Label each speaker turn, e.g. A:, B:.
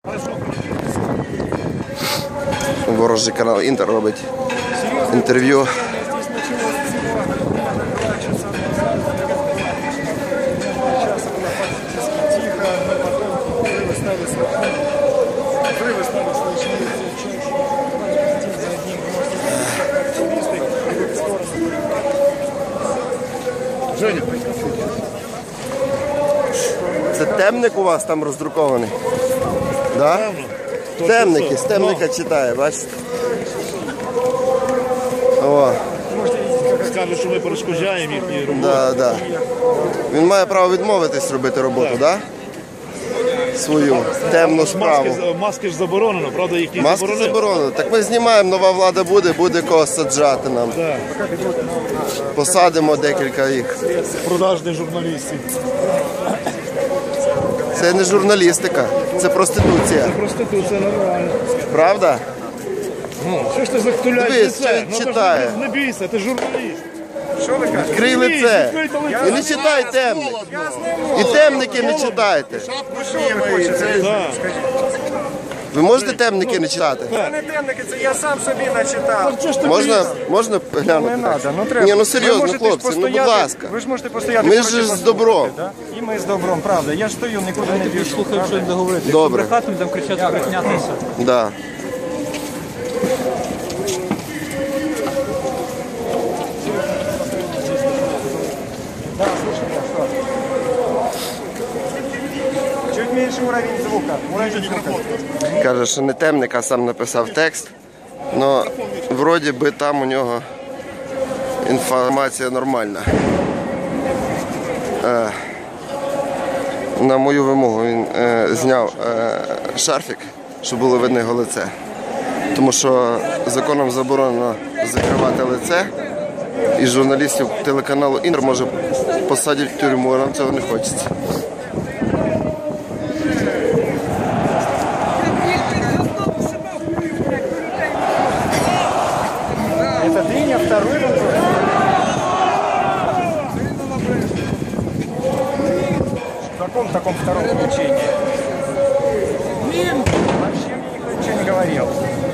A: Ворожий канал Інтер робить інтерв'ю. Це темник у вас там роздрукований? Да? Темники, з темника читає, бачите? О.
B: Скажуть, що ми перешкоджаємо їхні роботи.
A: Да, да. Він має право відмовитись робити роботу, так? Да? Свою темну справу.
B: Маски ж заборонено, правда, їх не
A: Маски заборонено. Так ми знімаємо, нова влада буде кого саджати нам.
B: Да.
A: Посадимо декілька їх.
B: Продажних журналістів.
A: Це не журналістика, це проституція.
B: Це проституція нормально.
A: Правда?
B: Що ж ти захтуляєш
A: Дивись,
B: лице?
A: що читає.
B: Не бійся, ти журналіст.
A: Відкрий лице. І не читай темник. І темники не читайте.
B: Да.
A: Ви можете темники не читати?
C: Це не темники, це я сам собі начитав.
A: Можна глянути?
C: Не треба, ну треба.
A: Ні, ну
C: Ви
A: серйозно,
C: можете
A: хлопці, ну будь ласка.
C: Ви ж можете постояти.
A: Ми
C: поруч
A: ж
C: і
A: з
C: послухати,
A: добром.
C: да? І ми з добром, правда. Я ж стою, нікуди не біжу.
D: Слухай, що він договорити.
A: Добре.
D: Брехати, там кричати, брехнятися.
A: Да.
C: Чуть менше уровень звука. Уровень звука.
A: Каже, що не темник, а сам написав текст. Но вроді би там у нього інформація нормальна. На мою вимогу він зняв шарфік, щоб було видно його лице. Тому що законом заборонено закривати лице, і журналістів телеканалу Інтер може посадити в тюрму, а нам цього не хочеться.
C: Это дыня, второй вопрос. В каком таком втором включении? Вообще мне никто ничего не говорил.